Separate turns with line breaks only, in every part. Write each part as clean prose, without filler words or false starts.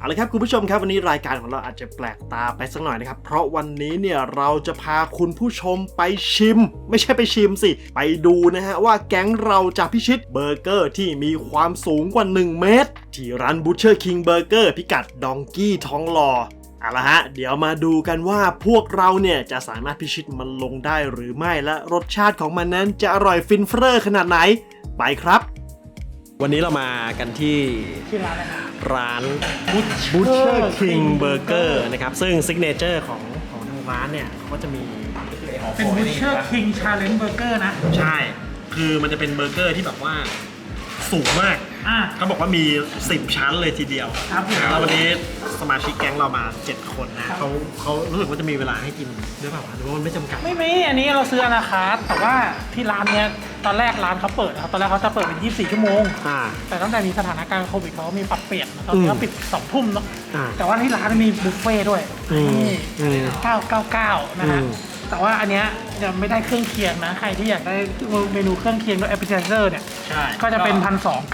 เอาละครับคุณผู้ชมครับวันนี้รายการของเราอาจจะแปลกตาไปสักหน่อยนะครับเพราะวันนี้เนี่ยเราจะพาคุณผู้ชมไปชิมไม่ใช่ไปชิมสิไปดูนะฮะว่าแก๊งเราจะพิชิตเบอร์เกอร์ที่มีความสูงกว่า1เมตรที่ร้าน Butcher King Burger พิกัดดองกี้ทองหล่อเอาละฮะเดี๋ยวมาดูกันว่าพวกเราเนี่ยจะสามารถพิชิตมันลงได้หรือไม่และรสชาติของมันนั้นจะอร่อยฟินเฟ้อขนาดไหนไปครับวันนี้เรามากันที่
ร้านอะไรครับ
ร้าน Butcher King Burger นะครับซึ่งซิกเนเจอร์ของทางร้านเนี่ยเขาก็จะมี
เป็น Butcher King Challenge Burger นะ
ใช่คือมันจะเป็นเบอร์เกอร์ที่แบบว่าสูงมากเขาบอกว่ามี10ชั้นเลยทีเดียว
ครับ
แล้ววันนี้สมาชิกแก๊งเรามา7คนนะเขารู้สึกว่าจะมีเวลาให้กินด้วยเปล่าหรือว่ามันไม่จำกัด
ไม่มีอันนี้เราซื้ออนาคาร์แต่ว่าที่ร้านเนี้ยตอนแรกร้านเขาเปิดครับตอนแรกเขาจะเปิดเป็น24ชั่วโมงแต่ตั้งแต่มีสถานการณ์โควิดเขามีปรับเปลี่ยนตอนนี้เขาปิด2 ทุ่มเนาะแต่ว่าที่ร้านมีบุฟเฟ่ด้วยนี่999นะฮะแต่ว่าอันเนี้ยยังไม่ได้เครื่องเคียงนะใครที่อยากได้เมนูเครื่องเคียงด้วย appetizer เนี่ยก็จะเป็น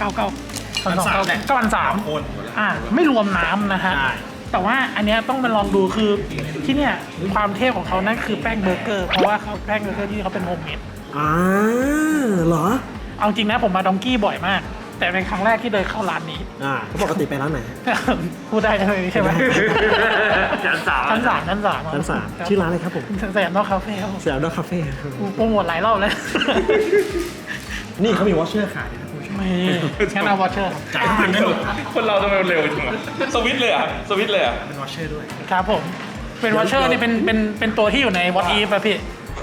1,299ไม่รวมน้ำนะฮะแต่ว่าอันเนี้ยต้องไปลองดูคือที่เนี่ยความเทพของเขานั่นคือแป้งเบอร์เกอร์เพราะว่าเขาแป้งเบอร์เกอร์ที่เขาเป็นโฮมเมด
เหรอ
เอาจริงนะผมมาดองกี้บ่อยมากแต่เป็นครั้งแรกที่เดินเข้าร้านนี้
เขาปกติไปร้านไหน
พูดได้ใช่ไหม
ชั้น 3ชื่อร้านอะไรครับผม
สยามดอกคาเฟ่
สยามดอกคาเฟ่
โปรโมทหลายรอบแล้ว
นี่เขามีวอชเชอร์ขาย
ไม่งั้นเอาวอชเชอร์
จ่ายทุกพันได้หมด
คนเราทำไมเร็วจังวะสวิตเลยอ่ะ
เป็นวอชเชอร์ด้วย
ครับผมเป็นวอชเชอร์นี่เป็นตัวที่อยู่ในวอทอีฟป่ะพี่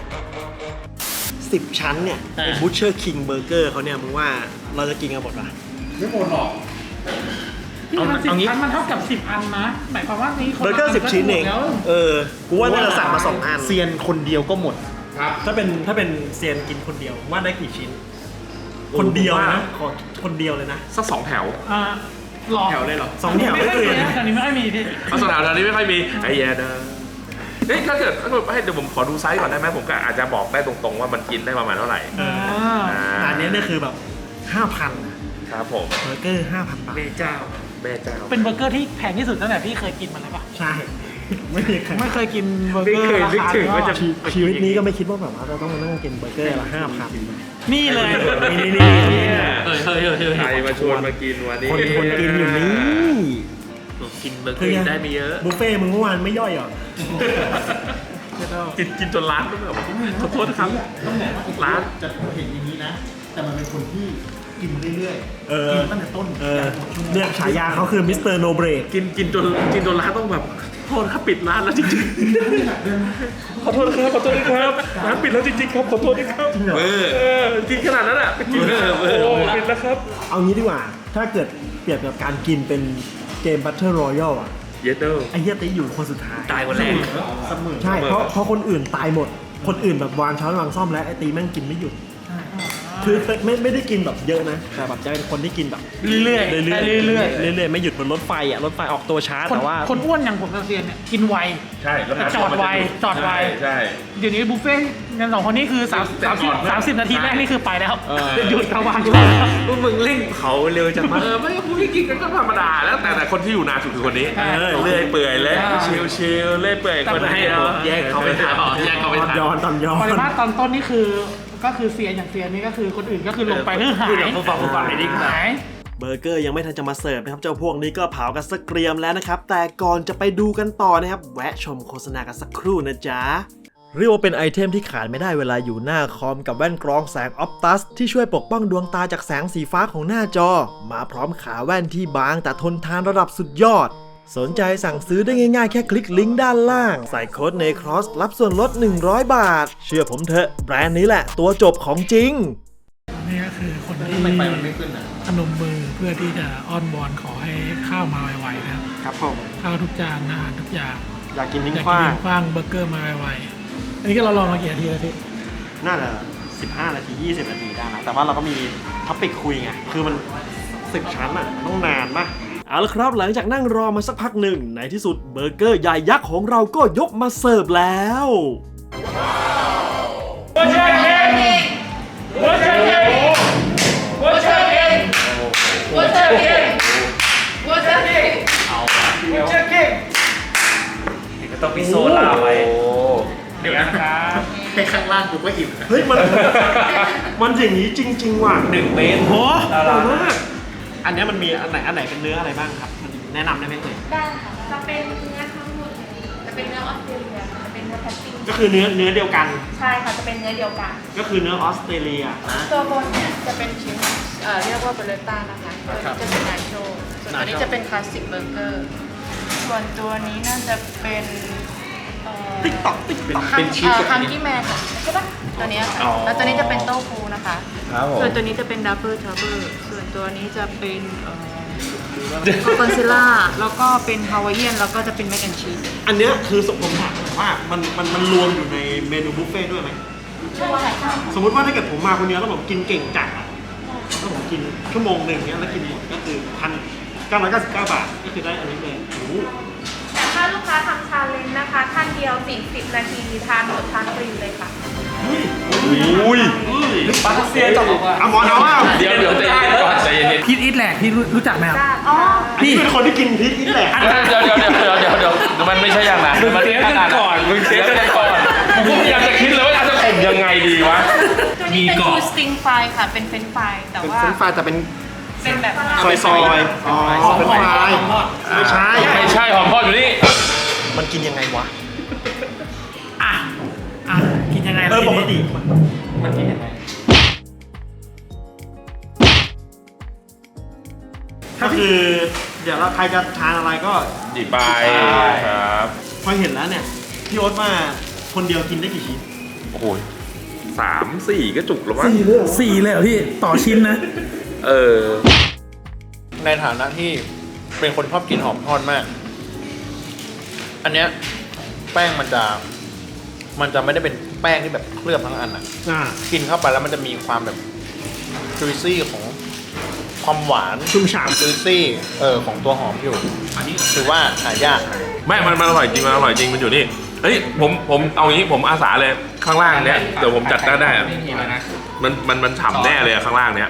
10 ชั้นเนี่ยเป็น Butcher King Burger เขาเนี่ยมึงว่าเราจะกินกันหมดป่ะ
ไม่หมดหรอก
10 ชั้นมันเท่ากับ10 อันนะหมายความว่านี้
เบอร์เกอร์10 ชิ้นเองกูว่าน่าจะสั่งมา2 อัน
เซียนคนเดียวก็หมด
ครับถ้าเป็นเซียนกินคนเดียวว่าได้กี่ชิ้นคนเดียวนะคนเดียวเลยนะ
สัก2 แถว
แถว
เลยเหรอ2 แถวไม่เคย
ตอนนี้ไม่ค่อยมีพี่
2 แถวตอนนี้ไม่ค่อยมีไอ้แย่นะถ้าเกิดให้เดี๋ยวผมขอดูไซส์ก่อนได้ไหมผมก็อาจจะบอกได้ตรงๆว่ามันกินได้ประมาณเท่าไหร่
อันนี้เนี่ยคือแบบ 5,000
ครับผม
เบอร์เกอร์ 5,000 บาท
แม่เจ้า
เป็นเบอร์เกอร์ที่แพงที่สุดตั้งแต่พี่เคยกินมาเลยป่ะ
ใช่
ไม่เคยกินเบอร์เกอร์ราคา
ชีวิตนี้ก็ไม่คิดว่าแบบว่าเราต้องมานั่งกินเบอร์เกอร์ละ 5,000
นี่เลย
นี่
ใครมาชวนมากินวันนี้
คนกินอยู่นี่
กินเบอร์เกอร์ได้ไม่เยอะ
บุฟเฟ่มึงเมื่อวานไม่ย่อยหรอ
กินจนร้านก็แบบขอโทษครับร้าน
จะเห็นอย่างนี้นะแต่มันเป็นคนที่กินเรื่อยๆกินตั้งแต่ต้นเนี่ยฉายาเขาคือมิสเตอร์โนเบรก
กินจนร้านต้องแบบโทษครับปิดร้านแล้วจริงๆขอโทษครับร้านปิดแล้วจริงๆครับขอโทษด้วยครับกินขนาดนั้นอ่ะกินโอ้ปิดแล้วครับ
เอางี้ดีกว่าถ้าเกิดเปรียบกับการกินเป็นเกม Battle Royale อ่ะ
เยเตอร์
ไอ้เหี้ยตีอยู่คนสุดท้าย
ตายคนแรก
ใช่เพราะคนอื่นตายหมดคนอื่นแบบวางช้อนวางซ่อมแล้วไอ้ตีแม่งกินไม่หยุดคือไม่ได้กินแบบเยอะนะแต่แบบจะเป็นคนที่กินแบบ
เรื่อย
ๆไม่หยุดบนรถไฟอ่ะรถไฟออกตัวช้าแต่ว่า
คนอ้วนอย่างผมกับเซียนเนี่ยกินไว
ใช่แล้ว
จอดไว
ใช่
เดี๋ยวนี้บุฟเฟ่ต์กัน2 คนนี้คือ30 นาทีแรกนี่คือไปแล้วหยุดระวัง
มึงเร่งเผาเร็วจังมากไม่พูดที่กินกันก็ธรรมดาแล้วแต่คนที่อยู่นานสุดคือคนนี้เลื่อยเปื่อยเลยชิลเลื่อยเปื่อยคนให้แยกเขาไปทำ
ย้อน
ปริมาตรตอนต้นนี่คือก็คือเซียนอย่างเซียนนี่ก็คือคนอื่นก็คือลงไปคือหาย
เบอร์เกอร์ยังไม่ทันจะมาเสิร์ฟนะครับเจ้าพวกนี้ก็เผากันสักเกรียมแล้วนะครับแต่ก่อนจะไปดูกันต่อนะครับแวะชมโฆษณากันสักครู่นะจ๊ะเรียกว่าเป็นไอเทมที่ขาดไม่ได้เวลาอยู่หน้าคอมกับแว่นกรองแสงออปตัสที่ช่วยปกป้องดวงตาจากแสงสีฟ้าของหน้าจอมาพร้อมขาแว่นที่บางแต่ทนทานระดับสุดยอดสนใจสั่งซื้อได้ง่ายๆแค่คลิกลิงก์ด้านล่างใส่โค้ด NECROSS รับส่วนลด100 บาทเชื่อผมเถอะแบรนด์นี้แหละตัวจบของจริง
นี่ก็คือคนที่พนมมือเพื่อที่จะอ้อนวอนขอให้ข้าวมาไวๆนะครับ
ผม
ข้าวทุกจานอาหารทุกอย่าง
อยากกินทิ้งข
ว้างเบอร์เกอร์มาไวๆอันนี้ก็เราลองมากี่นาทีแล้วพี่
น่าจะ15 นาที20 นาทีได้นะแต่ว่าเราก็มีท็อปิกคุยไงคือมัน10 ชั้นอ่ะต้องนานมากเอาละครับหลังจากนั่งรอมาสักพักหนึ่งในที่สุดเบอร์เกอร์ใหญ่ยักษ์ของเราก็ยกมาเสิร์ฟแล้ว
ต้องมีโซล่าไว้
โอ้
เดี๋ยวนะครับ
ให้ข้างล่างกูก็อิ่ม
เฮ้ยมันอย่างนี้จริงๆว่ะ
1 เมตร
โห
ดารา
มากอันนี้มันมีอันไหนเป็นเนื้ออะไรบ้างครับมันแนะนำได้ไหมเอ่ย
ได้ค่ะ จะเป็นเนื้อทั้งหมดเลยจะเป็นเนื้อออสเตรเลียจะเป็นเนื้อแพตติ้ง
ก็คือเนื้อเดียวกัน
ใช่ค่ะ จะเป็นเนื้อเดียวกัน
ก็คือเนื้อออสเตรเลียนะ
ตัวบนเนี่ยจะเป็นชิ้นเรียกว่าเบเลต้านะคะ ตัวนี้จะเป็นนาโชส่วนตัวนี้จะเป็นคลาสสิกเบอร์เกอร์ ส่วนตัวนี้น่าจะเป็น
ติ๊กต็อก
คังกี้แมนค่ะใช่ปะตัวเนี้ยค่ะ แล้วตัวนี้จะเป็นโต้ฟูนะคะ
ครับผม
ส่วนตัวนี้จะเป็นดับเบิลทรัฟเฟิลส่วนตัวนี้จะเป็นคอนซิล่า แล้วก็เป็นฮาวายเอียน แล้วก็จะเป็นแมคแอนชีส
อันเนี้ยคือผมถามหน่อยว่ามันรวมอยู่ในเมนูบุฟเฟ่ต์ด้วยไหม
ใช่ค่ะ
สมมติว่าถ้าเกิดผมมาคนเดียวแล้วผมกินเก่งจัดอะแล้วผมกินชั่วโมงหนึ่งเนี้ยแล้วกินหมดก็คือ1,999 บาทก็คือได้อันนี้เลยโอ้โห
แต่ถ้าลูกค้าทำชาเลนจ์นะคะท่านเดียว40 นาทีทานหมดทานฟรีเลยค่ะ
อุ้ย
ปาเซียจบอ่ะ
อะมอนเอาว่า
เดี๋ยวใจเย็นก่อนใจเย็น
พีทอิทแหลกพี่รู้จักไหมครับ
อ๋อ
พี่เป็นคนที่กินพริกนี่แหละ
เดี๋ยวมันไม่ใช่อย่างนั้นมันเทสกันก่อนมึงเทสกันก่อนผมก็พยายามจะคิดเลยว่าจะข่มยังไงดีวะ
ตัวนี้เป็นทูสติงไฟค่ะ เป็นเฟรนช์ฟรายแต่ว่า
เฟรนช์ฟรายแต่เป็น
เป็นแบบ
ซอยอ๋อเป็นฟรายไม่ใช่
ไม่ใช่หอมทอดอยู่นี่
มันกินยังไงวะ
อ่ะกินยังไง
ปกติ
มันกินยังไง
ก็คือเดี๋ยวเราใครจะทานอะไรก็
หยิบไปครับ
พอเห็นแล้วเนี่ยพี่โอ๊ตมาคนเดียวกินได้กี่ชิ้น
โอ้โห3-4ก็จุกแล้ววะ
4เลยเหรอพี่ต่อชิ้นนะ
เออ
ในฐานะที่เป็นคนชอบกินหอมทอดมาก อันเนี้ยแป้งมันจะไม่ได้เป็นแป้งที่แบบเคลือบทั้งอันอ่ะ กินเข้าไปแล้วมันจะมีความแบบจุยซี่ของความหวาน
ชุ่มฉ่
จุยซี่ของตัวหอมอยู่ อันนี้ถือว่าหายาก
ไม่มันอร่อยจริงมันอร่อยจริงมันอยู่นี่เฮ้ยผมเอางี้ผมอาสาเลยข้างล่างเนี้ยเดี๋ยวผมจัดได้อะมันฉ่ำแน่เลยอะข้างล่างเนี้ย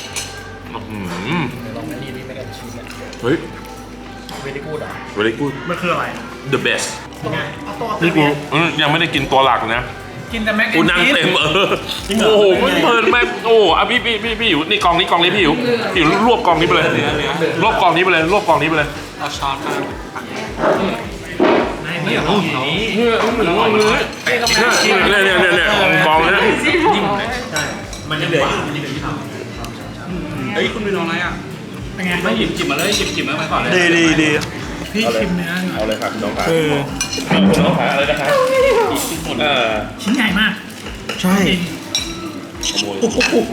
เฮ้ย
very good อ่ะ
very good
มันคืออะไร
the best
ไง
นี่กูยังไม่ได้กินตัวหลักนะ
กินแต่แม็ก
กู
แอน
นั่ง
ชีส
เต็มโอ้โหเพลินแม่โอ้อ่ะพี่อยู่นี่กองนี้พี่อยู่รวบกองนี้ไปเลยรวบกองนี้ไปเลยรวบกองนี้ไปเลย
เอาช้อนมา
นี่ของนี้
เนี่ยกองนี้
มันยังเหลืออยู่
เฮ้ยคุณไปลองอะไรอ่ะ
เป็นไง
ไม่หยิบจิบมาเลยหยิบมาก่อนเลย
ดี
พี่ชิมเนื้อหน่อย
เอาเลยครับน้องขาน้องขาอะไรนะครับ
ชิ้นใหญ่มาก
ใช่
จริง
ขโมย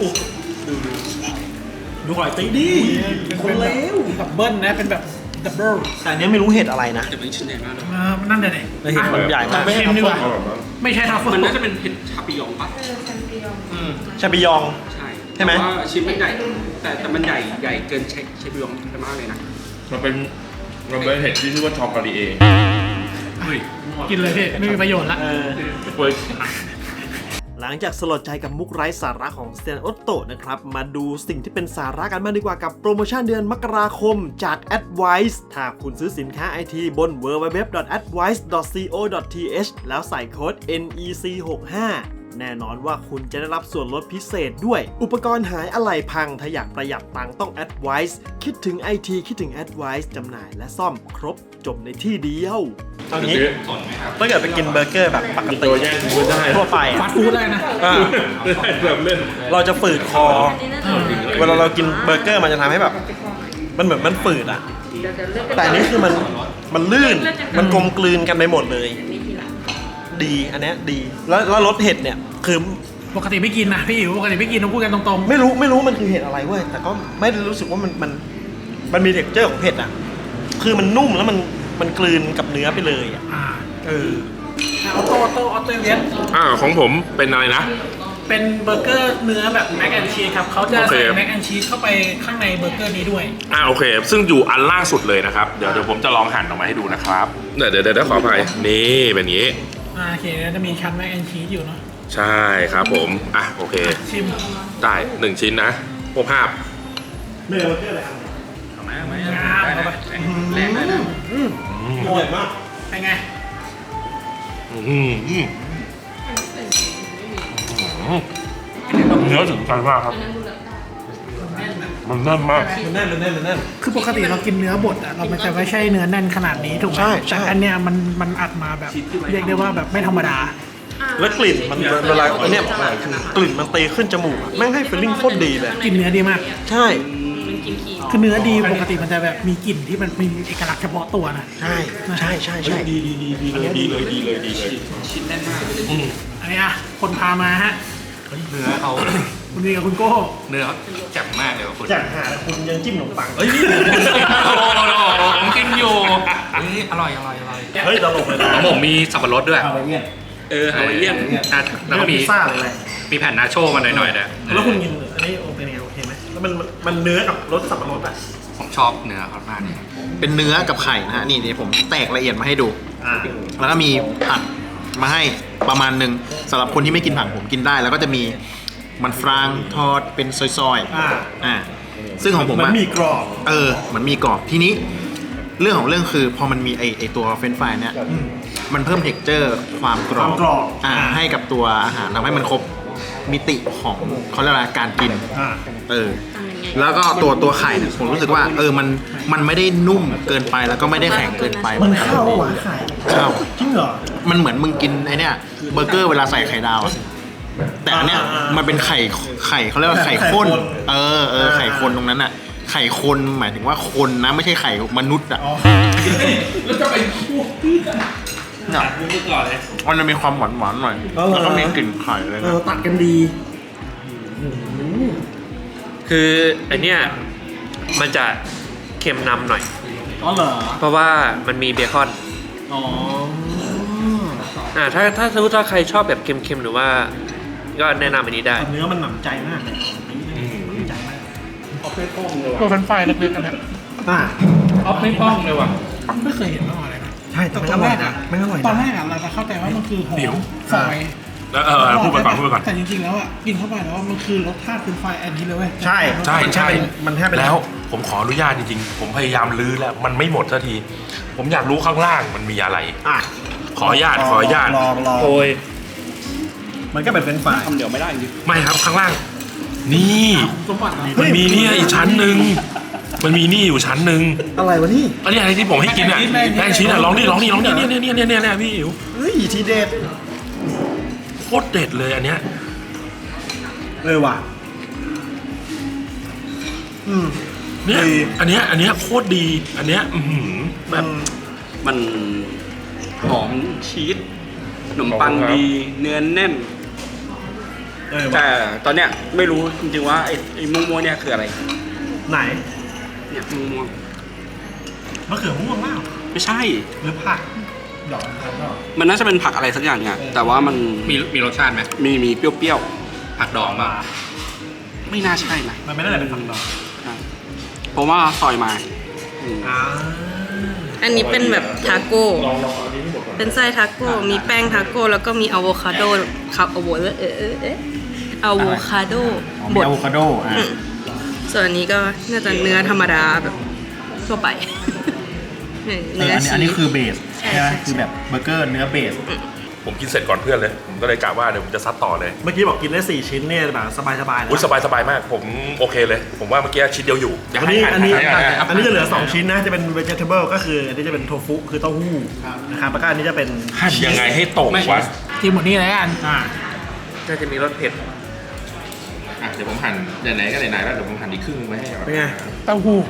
ดูหอยตีดิ
คนเลวดับเบิ้ลนะเป็นแบบดับเบิ้ล
แต่อันเนี้ยไม่รู้เห็ดอะไรนะ
จะเป็นชิ้นใหญ่มากเลย
นั่นเดี๋ยวไหน
เห็ดมันใหญ่มาก
ไม่ใช่ดีกว่าไม่ใช่ทัฟเฟิล
มันน่าจะเป็นเห็ดชาปิยองปะ
แชมเปี้ยน
ชาปิยอง
ใช่
ใช่ไหม
แต่ว่าชิ้นมันใหญ่แต่มันใหญ่เกินชาปิยองไปมากเลยนะ
มันเป็นเห็ดที่ชื่อว่าชอกาลีเอ
กินเลยพี่ไม่มีประโยชน์ละ
เว้ย
หลังจากสลดใจกับมุกไร้สาระของสเตนโอตโตนะครับ มาดูสิ่งที่เป็นสาระกันบ้างดีกว่ากับโปรโมชั่นเดือนมกราคมจาก Advice ถ้าคุณซื้อสินค้าไอทีบน www.advice.co.th แล้วใส่โค้ด NEC65 แน่นอนว่าคุณจะได้รับส่วนลดพิเศษด้วย อุปกรณ์หายอะไหล่พังถ้าอยากประหยัดตังค์ต้อง Advice คิดถึง IT คิดถึง Advice จำหน่ายและซ่อมครบจบในที่เดียวเอางี้ถ้าเกิดไปกินเบอร์เกอร์แบบปกติ
ตัวแย่งกูได้
ทั่วไป
ฟาสต์ฟู้ดได้นะ
แบบเล่น
เราจะฝืดคอ เวลาเรากินเบอร์เกอร์มันจะทำให้แบบ มันเหมือนมันฝืดอ่ะ แต่อันนี้คือมันลื่น มันกลมกลืนกันไปหมดเลย ดีอันเนี้ยดี แล้วรสเห็ดเนี่ย คือ
ปกติไม่กินนะพี่อิ๋วปกติไม่กินต้องพูดกันตรง
ไม่รู้มันคือเห็ดอะไรเว้ย แต่ก็ไม่ได้รู้สึกว่ามันมีเท็กเจอร์ของเห็ดอ่ะ คือมันนุ่มแล้วมันกลืนกับเนื้อไปเลยอ่ะ
ออโต้เลียน
ของผมเป็นอะไรนะ
เป็นเบอร์เกอร์เนื้อแบบแม็กแอนชีสครับเขาจะ
โอเค
ใส่แม็กแอนชีสเข้าไปข้างในเบอร์เกอร์นี้ด้วย
โอเค ซึ่งอยู่อันล่างสุดเลยนะครับ เดี๋ยวผมจะลองหั่นออกมาให้ดูนะครับเดี๋ยวขออภัยนี่เป็นอย่างนี้
โอเคแล้วจะมีชั้นแม็กแอนชีสอยู่เนาะ
ใช่ครับผมโอเค
ชิม
ได้1ชิ้นนะพวกภาพ
เนื้อเบอร์เกอร์อะไรครับ
เอาไหมได้นะแรงได้นะ
อร่อยมาก
เป็นไง
เนื้อถึงใจมากครับ มันแน่นมาก
มันแน่น
คือปกติเรากินเนื้อบดอะเรามันจะไม่ใช่เนื้อแน่นขนาดนี้ถูกไหม
ใช่
แต่อันเนี้ยมันอัดมาแบบ เรียกได้ว่าแบบไม่ธรรมดา
แล้วกลิ่นมันเวลาอันเนี้ยกลิ่นมันตีขึ้นจมูกอะแม่งให้ฟีลลิ่งโคตรดีเลย
กลิ่นเนื้อดีมาก
ใช่
คือเนื้อดีปกติมันจะแบบมีกลิ่นที่มันมีเอกลักษณ์เฉพาะตัวนะ
ใช่
ดีเลยชิ้นแน่นมาก
อันนี้อะคนพามาฮะ
เนื้อเขา
คุณวีกับคุณโก้
เนื้อเขาแจ่มมากเลยว่ะคุณ
จากหาคุณยังจิ้มขนมปัง
เฮ้ยนี่ผมกินอยู่อร่อย
เฮ้ยตลกเลยนะ
ของผมมีสับปะรดด้วย
ฮาวายเอียน
แล้วก็มี
พิซซ่าอะไร
มีแผ่นนาโช่มาหน่อยๆนะ
แล้วคุณกินอันนี้เป็นไงโอเคไหมแล้วมันเนื้อกับรสสับปะรดอ่ะ
ผมชอบเนื้อเขามากเลยเป็นเนื้อกับไข่นะฮะนี่ผมแตกละเอียดมาให้ดู แล้วก็มีผักมาให้ประมาณหนึ่งสำหรับคนที่ไม่กินผักผมกินได้ แล้วก็จะมีมันฝรั่งทอดเป็นซอยๆซึ่งของผม
มันมีกรอบ
มันมีกรอบทีนี้เรื่องของเรื่องคือพอมันมีไอตัวเฟรนช์ฟรายเนี่ยมันเพิ่มเท็กเจอร์ความกรอบให้กับตัวอาหารทำให้มันครบมิติของเขาเรียกว่าการกินแล้วก็ตัวไข่เนี่ยผมรู้สึกว่ามันไม่ได้นุ่มเกินไปแล้วก็ไม่ได้แข็งเกินไป
มันเข้าหวานไข่
เข้า
จริงเหรอ
มันเหมือนมึงกินไอเนี่ยเบอร์เกอร์เวลาใส่ไข่ดาวอะแต่อันเนี้ยมันเป็นไข่เขาเรียกว่าไข่ข้นไข่คนตรงนั้นอะไข่คนหมายถึงว่าคนนะไม่ใช่ไข่มนุษย์อะ
แล้วจะไปพูดพี่กัน
เนี่ยมันจะมีความหวานหน่อยแล้วก็มีกลิ่นไข่เลยนะ
ตัดกันดี
คืออันเนี้ยมันจะเค็มนำหน่อย
อ๋อเหรอ
เพราะว่ามันมีเบคอน
อ๋อ
ถ้าสมมติว่าใครชอบแบบเค็มๆหรือว่าก็แนะนำอันนี้ได้
เนื้อมันหนำใจมากเลยหนำใจมาก
ตัวเฟรนช์ฟรายเล็กๆกันเนี่ย
อ่า
ออฟไม่ป้องเลยว่ะ
ไม่เคยเห็นมาก่อนเลยนะ
ใช่แต่มันอร่อยนะไม่อร่อย
ตอน
นะ
แรกอะเราจะเข้าใจว่ามันคือหอ
เดี๋ยว
มฝอย
แล้วพูดไปก่อน
แต่จริงๆแล้วอะกินเข้าไปแล้วมันคือรสชาติเฟรนช์ฟรายอันนี้เลยเว้ย
ใช่ มันแทบเป็น
แล้วผมขออนุญาตจริงๆ ผมพยายามลื้อแล้ว มันไม่หมดสักที ผมอยากรู้ข้างล่างมันมีอะไร
อ่ะ
ขออนุญาต
ลอง
โอ้ย
มันก็เป็นเฟรนช์ฟราย
ทำเดี๋ยวไม่ได้จริง
ไม่ครับข้างล่าง นี่
สมบัติ
มันมีเนี่ยอีกชั้นหนึ่งมันมีนี่อยู่ชั้นหนึ่ง
อะไรวะนี่
อันนี้อะไรที่ผมให้กินอ่ะแป้งชิ้นอ่ะลองนี่เนี่ยพี่อิ๋ว
เฮ้ยทีเด็ด
โคตรเด็ดเลยอันเนี้ย
ว่ะ
เนี่ย
ดี
อันเนี้ยโคตรดีอันเนี้ยแบบ
มันหอมชีสขนมปังดี เนื้อแน่น
ว่ะ
แต่ตอนเนี้ยไม่รู้จริงๆว่าไอ้ม่วงๆเนี่ยคืออะไร
ไหน
เนี่ยม่วง
มะเขือม่วงเปล่า
ๆไม่ใช่
หรือผักดอกดอก
มันน่าจะเป็นผักอะไรสักอย่างเนี่ยแต่ว่ามัน
มีรสชาติไหม
มีเปรี้ยว
ผักดองป่ะ
ๆ ไม่น่าใช่นะ
มันไม่น่าจะเป็นผักดอก
เพราะว่าซอยมาอืม
อันนี้เป็นแบบทาโก้ เป็นไส้ทาโก้ มีแป้งทาโก้ แล้วก็มีอะโวคาโดครับอะโวคาโดบด
อะโวคาโด
ส่วนอันนี้ก็น่าจะเนื้อธรรมดาแบบทั่วไป เนื้อชีส
อันนี้คือเบส
ใช่ไหม
คือแบบเบอร์เกอร์เนื้อเบส
ผมกินเสร็จก่อนเพื่อนเลย ผมก็เลยกะว่าเดี๋ยวผมจะซัดต่อเลย
เมื่อกี้บอกกินได้4ชิ้นเนี่ยแบบสบายๆนะ
อุ้ยสบายมาก ผมโอเคเลย ผมว่าเมื่อกี้ชิ้นเดียวอยู่
อันนี้จะเหลือ2ชิ้นนะจะเป็น vegetable ก็คืออันนี้จะเป็นโทฟุคือเต้าหู้นะครับแล้วก็อันนี้จะเป็น
หั่นยังไงให้ตกวะ
กินหมดนี่เลยกัน
น่าจะมีรสเผ็ด
เดี๋ยวผมหั่นไหนๆก็ไหนๆแล้วเดี๋ยวผมหั่นอีกครึ่งไว้ให้ก่อน
เป็นไง
เต้าหู้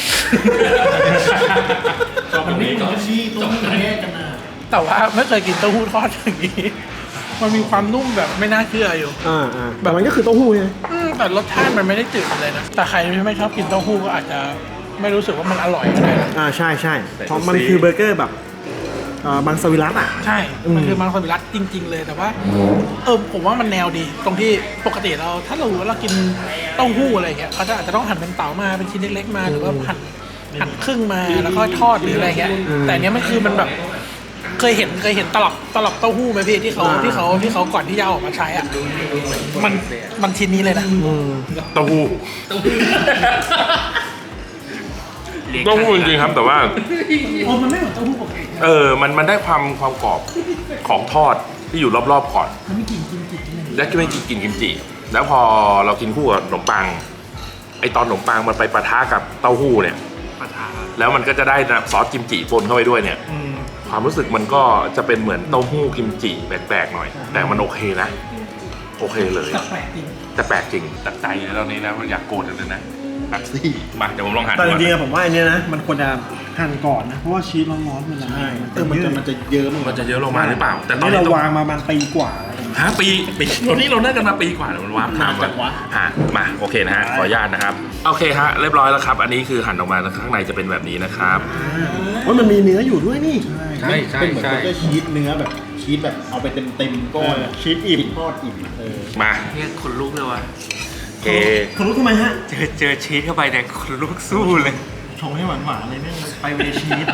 มันนี่มันนี่ตัวนี้แยกกันนะ
แต่ว่าไม่เคยกินเต้าหู้ทอดอย่างนี้ มันมีความนุ่มแบบไม่น่าเชื่ออยู่
แบบมันก็คือเต้าหู้ไง
แต่รสชาติมันไม่ได้จืดเลยนะ แต่ใครที่ไม่ชอบกินเต้าหู้ก็อาจจะไม่รู้สึกว่ามันอร่อยก็ได้นะ
ใช่เพราะมันคือเบอร์เกอร์แบบมังสวิรัตอ่ะ
ใช่ มันคือมังสวิรัตจริง ๆ เลย แต่ว่าผมว่ามันแนวดี ตรงที่ปกติถ้าเรากินเต้าหู้อะไรเงี้ยเขาจะอาจจะต้องหั่นเป็นเต๋ามาเป็นชิ้นเล็กๆมาหรือว่าหั่นครึ่งมาแล้วก็ทอดหรืออะไรเงี้ย แต่อันเนี้ยมันคือมันแบบเคยเห็นตลับเต้าหู้ไหมพี่ที่เขาก่อนที่จะเอาออกมาใช้อ่ะมันชิ้นนี้เลยนะ
เต้าหู้เต้าหู้จริงๆครับแต่ว่า
โอ้มันไม่เหมือนเต้าหู้ปกติ
มันได้ความกรอบของทอดที่อยู่รอบๆก่อน
มันไม่กลิ่นกิมจิใช่ไหม
และก็ไม่กินกิมจิ แล้วพอเรากินคู่กับขนมปังไอตอนขนมปังมันไปปะทะกับเต้าหู้เนี่ยแล้วมันก็จะได้ซอสกิมจิปนเข้าไปด้วยเนี่ยความรู้สึกมันก็จะเป็นเหมือนเต้าหู้กิมจิแปลกๆหน่อย แต่มันโอเคนะโอเคเลย
แต่แปลกจริง
แต่แปลกจริงตัดใจในตอนนี้นะอยากโกรธเลยนะตัดซี่มาเดี๋ยวผมลองหั่น
แต่จริงๆ
ดู
อะผมว่าอันเนี้ยนะมันควรจะหั่นก่อนนะเพราะว่าชีสร้อนๆมันละลายมันจะเยอะ
มันจะเยอะลงมาหรือเปล่าแต่ตอน
นี่
นี้
เรา
ต้อง
วางมาประมาณปีกว่า
ปีตอนนี้เราน่าจะมาปีกว่าแล้วมันว้าถามว่ามาโอเคนะฮะขออนุญาตนะครับโอเคฮะเรียบร้อยแล้วครับอันนี้คือหั่นออกมาข้างในจะเป็นแบบนี้นะครับ
ว่ามันมีเนื้ออยู่ด้วยนี่
เป็นเหมือนก็ชีสเนื้อแบบชีสแบบเอาไปเต็มก้อน
ชีสอิ่ม
ทอดอิ่ม
มา
เนี่ยขนลุกเลยว่ะ
โอเค
คุณรู้ทำไมฮะ
เจอชีสเข้าไปเนี่ยขนลุกสู้เลย
ชงให้หวานๆเลยเนี่ยไปเวชีส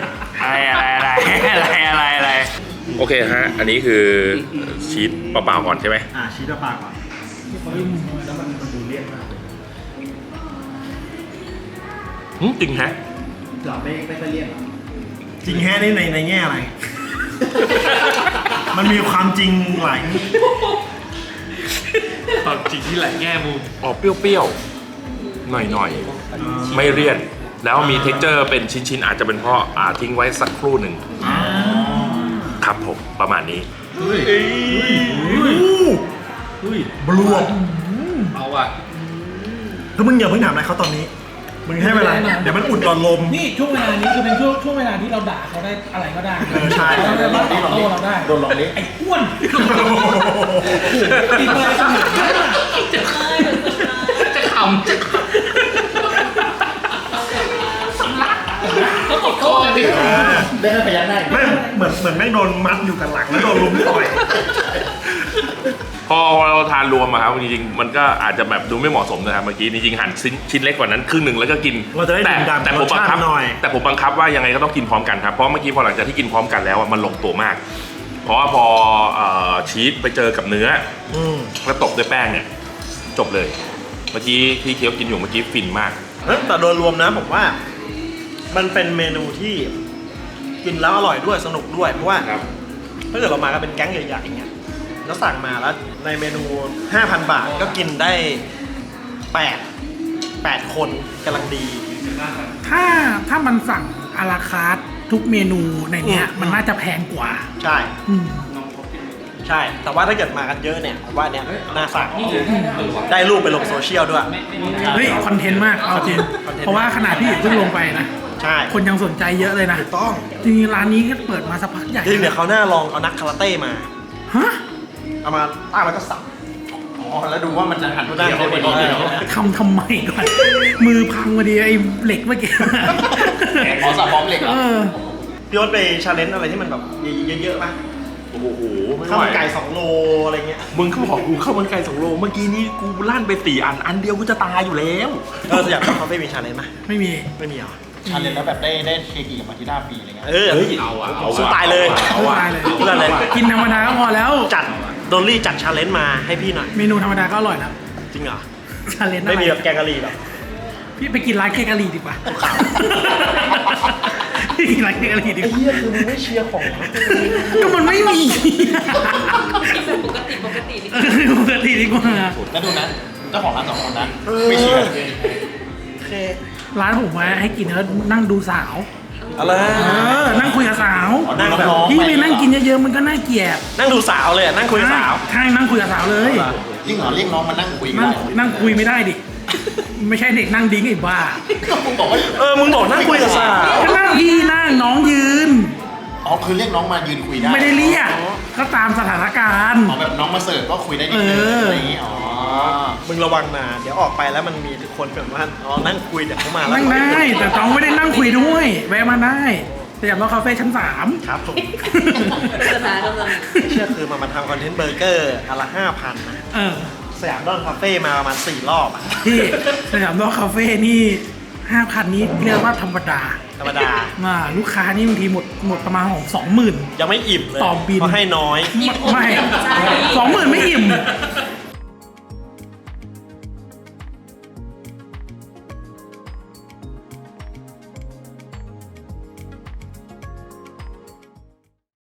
อะไร
โอเคฮะอันนี้คือชีสเปล่าๆก่อนใช่ไหม
ชีสปากก่อน
จริงฮะ
จริงแค่นี้ในแง่อะไร มันมีความจริงหลาย
ตอนจริงที่หลายแง่มุม
ออกเปรี้ยวๆหน่อยๆไม่เลี่ยนแล้วมีเท็กเจอร์เป็นชิ้นๆอาจจะเป็นเพราะทิ้งไว้สักครู่หนึ่งครับผมประมาณนี้
บลวก
เอาอ่ะ
คือมึงอย่าเพิ่งถามอะไรเขาตอนนี้ มึงให้เวลาเดี๋ยวมันอุดหลอดลม
นี่ช่วงเวลานี้คือเป็นช่วงเวลาที่เราด่าเขาได้อะไรก็ได้
ใช่
เราจะมาตอบโต้เราได้
โดนลองดิ
ไอ้อ้วนตีมาขนาดนั้นอะ
จะขำจะก็กดคอดิ
ได้พยักหน้า
แม่งเหมือนแม่งโดนมัดอยู่กับหลังแล้วโดนลุมต่อย
พอเราทานรวมอะครับจริงๆมันก็อาจจะแบบดูไม่เหมาะสมนะครับเมื่อกี้จริงๆหั่นชิ้นเล็กกว่านั้นครึ่งหนึ่งแล้วก็กิน
เราจะได้ดื่มด่ำ
แต่ผมบังคับ
รสชาติหน่อย
แต่ผมบังคับว่ายังไงก็ต้องกินพร้อมกันครับเพราะเมื่อกี้พอหลังจากที่กินพร้อมกันแล้วอะมันลงตัวมาก เพราะว่าพอชีสไปเจอกับเนื้อแล้วตบด้วยแป้งเนี่ยจบเลยเมื่อกี้ที่เคี้ยวกินอยู่เมื่อกี้ฟินมาก
แต่โดยรวมนะผมว่า มันเป็นเมนูที่กินแล้วอร่อยด้วยสนุกด้วยเพราะว่า
ครับ
ถ้าเกิดเรามากันเป็นแก๊งใหญ่ๆอย่างเงี้ยแล้วสั่งมาแล้วในเมนู 5,000 บาทก็กินได้8คนกำลังดี
ถ้ามันสั่งอาราคาร์ททุกเมนูในเนี้ยมันน่าจะแพงกว่า
ใช่
อืม
ใช่ แต่ว่าถ้าเกิดมากันเยอะเนี่ยผมว่าเนี่ยน่าสั่งได้รูปไปลงโซเชียลด้วย
เฮ้ยคอนเทนต์มากเอาจริง
คอนเทนต์
เพราะว่าขนาดที่เพิ่งลงไปนะ
ใช่
คนยังสนใจเยอะเลยนะ
ถูกต้อง
จริงๆร้านนี้ก็เปิดมาสักพักใหญ่
จริงๆเดี๋ยวเขาหน้าลองเอานักคาราเต้มา
ฮะ
เอามาตั้งแล้วก็สับ
อ๋อแล้วดูว่ามันจะหั่น
ได้
เกี่ยวได้พอดีเหรอ
ทำไมก่อน มือพังพอดีไอ้เหล็กเมื่อกี้
อ๋อสับพร้อมเหล็กเหร
เอ
อ
อ
พี่โอ๊ตไปชาเลนจ์อะไรที่มันแบบเยอะๆป่ะ
โอ้โหไม่
ข้าว
ไหว
มันไก่2 โลอะไรเงี้ย
มึงเขาบอกกูข้าวมันไก่2 โลเมื่อกี้นี้กูลั่นไป4 อันเดียวกูจะตายอยู่แล้ว
สยามคาเฟ่มีชาเลนจ์ไหม
ไม่มี
ไม่มีเหรอ
ชาเลนจ์แล้วแบบได้เคกีกับมาทิด้าฟรีอะไรเงี้ย
สู้ตายเลย
เอาว่ะ
สู้ตายเลย
กินธรรมดาก็พอแล้ว
จัดโดนลี่จัดชาเลนจ์มาให้พี่หน่อย
เมนูธรรมดาก็อร่อยแล้ว
จริงเหรอ
ชาเลนจ์อะ
ไม่
ไร
มีแบบแกงกะหรี่แบบ
พี่ไปกินร้านแกงกะหรี่ดีกว่าพี่กินร้านแกงกะหรี่ดีกว่า
เฮียคือมึงไม่เชียร์ของ
ก็มันไม่มี
ปกติดิ
ปกติดีกว่า
แล้วดูนะเจ้าของร้าน2 คนนะไม่เชียร์
โอเค
ร้านผมมาให้กินแล้วนั่งดูสาว
อะไร
นั่งคุยกับสาว
นั่งแบบ
พี่ไปนั่งกินเยอะๆมันก็น่าเกลียด
นั่งดูสาวเลยอะนั่งคุยกับสาว
ใช่นั่งคุยกับสาวเลย
จริงเหรอเรียกน้องมานั่งคุยกัน
นั่ง
ได้
นั่งคุยไม่ได้ดิ ไม่ใช่เด็กนั่งดิ้งไอ้บ้า
ก็มึงบอกว่า
มึงบอกนั่งคุยกับสาว
ก็นั่งพี่นั่งน้องยืน
อ๋อคือเรียกน้องมายืนคุยได้
ไม่ได้เรียกก็ตามสถานการณ์
อ๋อแบบน้องมาเสิร์ฟก็คุยได้นิดนึงอะไรอย่างงี้อ๋อ
มึงระวังนะเดี๋ยวออกไปแล้วมันมีคนแบบว่านั่งคุยเดี๋ยวเขามาแล้ว
นั่งได้แต่ต้องไม่ได้นั่งคุยด้วย แวะมาได้สยามรอคาเฟ่ชั้น 3
ครับผม
สถานกำลัง
ไม่เชื่อคือมาทำคอนเทนต์เบอร์เกอร์อันละ 5,000นะ
เออ
สยามดอนคาเฟ่มาประมาณ4 รอบอะ
ที่สยามรอคาเฟ่นี่ 5,000 นี้เรียกว่าธรรมดา
ธรรมดา
ลูกค้านี่บางทีหมดประมาณของ 20,000
ยังไม่อิ่มเลย
ต่อบิน
เพราะให้น้อย
ไม่20,000 ไม่อิ่ม